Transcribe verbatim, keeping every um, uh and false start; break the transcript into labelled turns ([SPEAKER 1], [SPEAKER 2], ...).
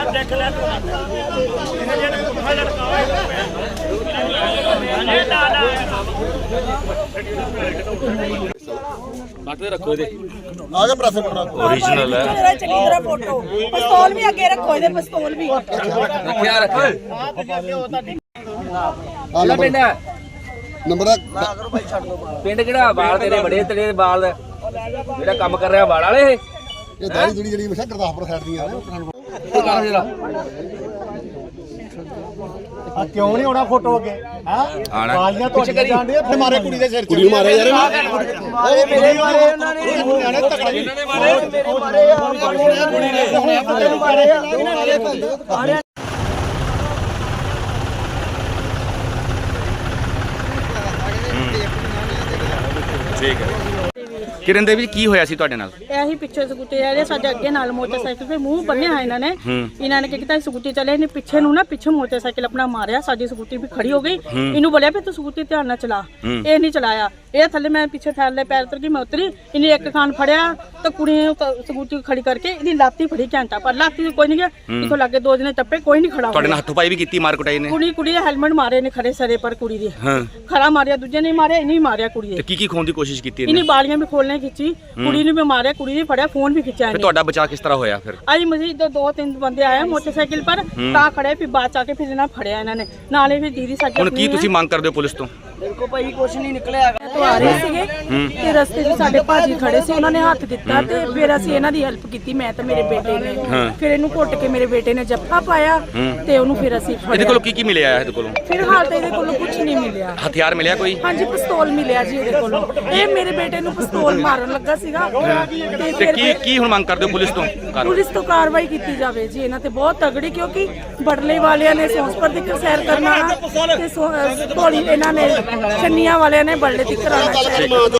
[SPEAKER 1] रखो
[SPEAKER 2] आगे press
[SPEAKER 1] original है
[SPEAKER 3] चंगी तरह फोटो पिस्तौल भी अगे रखो इहदे पिस्तौल भी
[SPEAKER 1] क्या रखो
[SPEAKER 2] पिंड नंबर
[SPEAKER 1] पिंड किहड़ा बाल तेरे बड़े तेरे बाल जेड़ा काम कर रहा बाल वाले
[SPEAKER 2] ये दाढ़ी दुड़ी जड़ी हमेशा गुरदासपुर साइड दी है आ क्यों नहीं होना फोटो अगे हां वालियां तो जांदे मारे कुड़ी दे सिर कुड़ी मारे यार ओ मेरे मारे ਉਹਨਾਂ ਨੇ ਤਕੜਾ ਇਹਨਾਂ ਨੇ ਮਾਰੇ ਮੇਰੇ ਮਾਰੇ ਕੁੜੀ ਨੇ ਮਾਰੇ
[SPEAKER 1] ठीक है किरण देवी की होया सी तुहाडे नाल
[SPEAKER 3] ਇਹੀ ਪਿੱਛੇ ਸਕੂਟੀ ਆ ਰਹੇ ਸਾਡੇ ਅੱਗੇ ਨਾਲ ਮੋਟਰਸਾਈਕਲ ਤੇ ਮੂੰਹ ਬੰਨਿਆ ਹੈ ਇਹਨਾਂ ਨੇ ਇਹਨਾਂ ਨੇ ਕੀ ਕੀਤਾ ਸਕੂਟੀ ਚਲੇ ਨੇ ਪਿੱਛੇ ਨੂੰ ਨਾ ਪਿੱਛੇ ਮੋਟਰਸਾਈਕਲ ਆਪਣਾ ਮਾਰਿਆ ਸਾਡੀ ਸਕੂਟੀ ਵੀ ਖੜੀ ਹੋ ਗਈ ਇਹਨੂੰ ਬੋਲਿਆ ਵੀ ਤੂੰ ਸਕੂਟੀ ਧਿਆਨ ਨਾਲ ਚਲਾ ਇਹ ਨਹੀਂ ਚਲਾਇਆ ਇਹ ਥੱਲੇ ਮੈਂ ਪਿੱਛੇ ਥੱਲੇ ਪੈਰ ਉਤਰ ਗਈ ਮੈਂ ਉਤਰੀ ਇਹਨੇ ਇੱਕ ਖਾਨ ਫੜਿਆ ਤਾਂ ਕੁੜੀ ਨੇ ਸਕੂਟੀ ਖੜੀ ਕਰਕੇ ਇਹਦੀ ਲਾਤੀ ਫੜੀ ਘੰਟਾ ਪਰ ਲਾਤੀ ਕੋਈ ਨਹੀਂ ਗਿਆ ਇਥੋਂ ਲੱਗੇ ਦੋ ਜਣੇ ਟੱਪੇ ਕੋਈ ਨਹੀਂ ਖੜਾ
[SPEAKER 1] ਤੁਹਾਡੇ ਨਾਲ ਹੱਥੋਂ ਪਾਈ ਵੀ ਕੀਤੀ ਮਾਰ ਕੁਟਾਈ ਨੇ
[SPEAKER 3] ਕੁੜੀ ਕੁੜੀ ਦੇ ਹੈਲਮਟ ਮਾਰੇ ਨੇ ਖੜੇ ਸਰੇ ਪਰ ਕੁੜੀ ਦੇ ਖੜਾ ਮਾਰਿਆ ਦੂਜੇ ਨੇ ਮਾਰਿਆ ਇਹਨੇ ਮਾਰਿਆ ਕੁੜੀ ਦੇ
[SPEAKER 1] ਕੀ ਕੀ ਖੋਣ ਦੀ ਕੋਸ਼ਿਸ਼ ਕੀਤੀ
[SPEAKER 3] ਇਹਨੇ ਬਾਲੀਆਂ ਵੀ ਖੋਲਣੇ ਖਿੱਚੀ ਕੁੜੀ ਨੂੰ ਵੀ ਮਾਰਿਆ ਕੁੜੀ ਨੇ ਫੜਿਆ ਫੋਨ ਵੀ ਖਿੱਚਿਆ
[SPEAKER 1] ਫਿਰ ਤੁਹਾਡਾ ਬਚਾਅ ਕਿਸ ਤਰ੍ਹਾਂ ਹੋਇਆ ਫਿਰ
[SPEAKER 3] ਅੱਜ ਮਸਜਿਦ ਤੋਂ ਦੋ ਤਿੰਨ ਬੰਦੇ ਆਏ ਮੋਟਰਸਾਈਕਲ ਪਰ ਤਾਂ ਖੜੇ ਫਿਰ ਬਾਅਦ ਚ ਆ ਕੇ ਫਿਰ ਇਹਨਾਂ ਫੜਿਆ ਇਹਨਾਂ ਨੇ ਨਾਲੇ ਵੀ ਦੀਦੀ ਸਾਡੀ
[SPEAKER 1] ਹੁਣ ਕੀ ਤੁਸੀਂ ਮੰਗ ਕਰਦੇ ਹੋ ਪੁਲਿਸ ਤੋਂ
[SPEAKER 3] ਦੇਖੋ ਭਾਈ ਕੁਛ ਨਹੀਂ ਨਿਕਲਿਆ ਤੋਂ ਆ ਰਹੇ ਸੀਗੇ ਤੇ ਰਸਤੇ 'ਚ ਸਾਡੇ ਭਾਜੀ ਖੜੇ ਸੀ ਉਹਨਾਂ ਨੇ ਹੱਥ ਦਿੱਤਾ ਤੇ ਫਿਰ ਅਸੀਂ ਇਹਨਾਂ ਦੀ ਹੈਲਪ ਕੀਤੀ ਮੈਂ ਤੇ ਮੇਰੇ ਬੇਟੇ ਨੇ ਫਿਰ ਇਹਨੂੰ ਘੁੱਟ ਕੇ ਮੇਰੇ ਬੇਟੇ ਨੇ ਜੱਫਾ ਪਾਇਆ ਤੇ ਉਹਨੂੰ ਫਿਰ ਅਸੀਂ ਫੜਿਆ
[SPEAKER 1] ਇਹਦੇ ਕੋਲੋਂ ਕੀ ਕੀ ਮਿਲਿਆ ਇਹਦੇ ਕੋਲੋਂ
[SPEAKER 3] ਫਿਰ ਹਾਲ ਤੇ ਇਹਦੇ ਕੋਲੋਂ ਕੁਝ ਨਹੀਂ ਮਿਲਿਆ
[SPEAKER 1] ਹਥਿਆਰ ਮਿਲਿਆ ਕੋਈ
[SPEAKER 3] ਹਾਂਜੀ ਪਿਸਤੌਲ ਮਿਲਿਆ ਜੀ ਇਹਦੇ ਕੋਲੋਂ ਇਹ ਮੇਰੇ ਬੇਟੇ ਨੂੰ ਪਿਸਤੌਲ ਮਾਰਨ ਲੱਗਾ ਸੀਗਾ
[SPEAKER 1] ਤੇ ਕੀ ਕੀ ਹੁਣ ਮੰਗ ਕਰਦੇ ਹੋ ਪੁਲਿਸ ਤੋਂ
[SPEAKER 3] ਪੁਲਿਸ ਤੋਂ ਕਾਰਵਾਈ ਕੀਤੀ ਜਾਵੇ ਜੀ ਇਹਨਾਂ ਤੇ ਬਹੁਤ ਤਗੜੀ ਕਿਉਂਕਿ ਬੜਲੇ ਵਾਲਿਆਂ ਨੇ ਸੌਂਸਪਰ ਦੀ ਸੈਰ ਕਰਨਾ ਤੇ ਧੋਲੀ ਇਹਨਾਂ ਨੇ ਛੰਨੀਆਂ ਵਾਲਿਆਂ ਨੇ ਬੜਲੇ ਦੀ ਕਰਾਉਣਾ